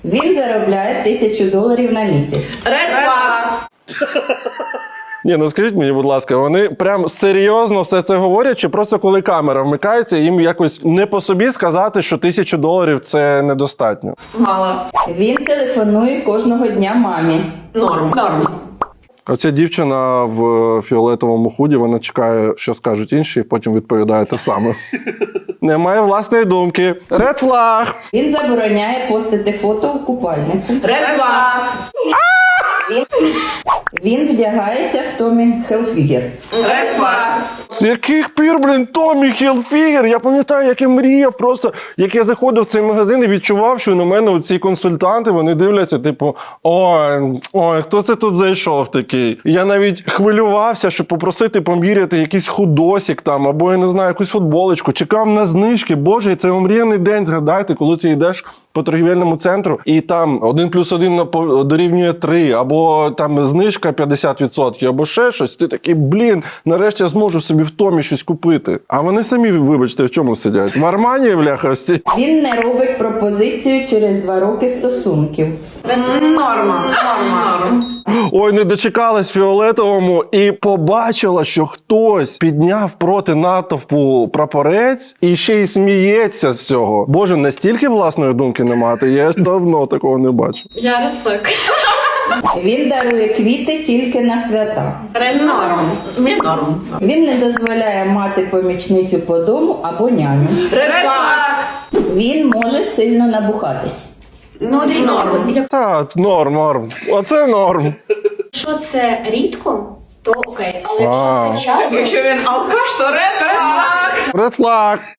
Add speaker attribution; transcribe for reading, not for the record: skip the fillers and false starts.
Speaker 1: Він заробляє $1000 на місяць.
Speaker 2: Red flag.
Speaker 3: Ні, ну скажіть мені, будь ласка, вони прям серйозно все це говорять, чи просто коли камера вмикається, їм якось не по собі сказати, що $1000 це недостатньо?
Speaker 2: Мало.
Speaker 1: Він телефонує кожного дня мамі.
Speaker 2: Норм.
Speaker 3: Оця дівчина в фіолетовому худі, вона чекає, що скажуть інші, і потім відповідає те саме. Немає власної думки. Red flag!
Speaker 1: Він забороняє постити фото у купальнику.
Speaker 2: Red flag.
Speaker 1: Він вдягається в Томі Хілфігер.
Speaker 2: Red flag.
Speaker 3: З яких пір, блін, Томі Хілфігер? Я пам'ятаю, як я мріяв просто, як я заходив в цей магазин і відчував, що на мене ці консультанти, вони дивляться, типу, ой, хто це тут зайшов такий? Я навіть хвилювався, щоб попросити поміряти якийсь худосик там, або, я не знаю, якусь футболочку. Чекав на знижки. Боже, це омріяний день, згадайте, коли ти йдеш по торгівельному центру, і там 1+1 дорівнює 3, або там знижка 50%, або ще щось. Ти такий, блін, нарешті я зможу собі в Томі щось купити. А вони самі, вибачте, в чому сидять? В Армані, бляха, всі.
Speaker 1: Він не робить пропозицію через 2 роки стосунків.
Speaker 2: Норма.
Speaker 3: Ой, не дочекалась фіолетовому і побачила, що хтось підняв проти натовпу прапорець і ще й сміється з цього. Боже, настільки власної думки не мати, я давно такого не бачив.
Speaker 4: Я red flag.
Speaker 1: Він дарує квіти тільки на свята.
Speaker 2: Норм.
Speaker 1: Він не дозволяє мати помічницю по дому або няню.
Speaker 2: Red flag.
Speaker 1: Він може сильно набухатись.
Speaker 4: Ну, дивіться,
Speaker 3: Та, норм. Оце норм.
Speaker 4: якщо це рідко, то окей. Але
Speaker 3: А.
Speaker 4: якщо це часто,
Speaker 2: Якщо він алкаш, то red flag.
Speaker 3: Red flag.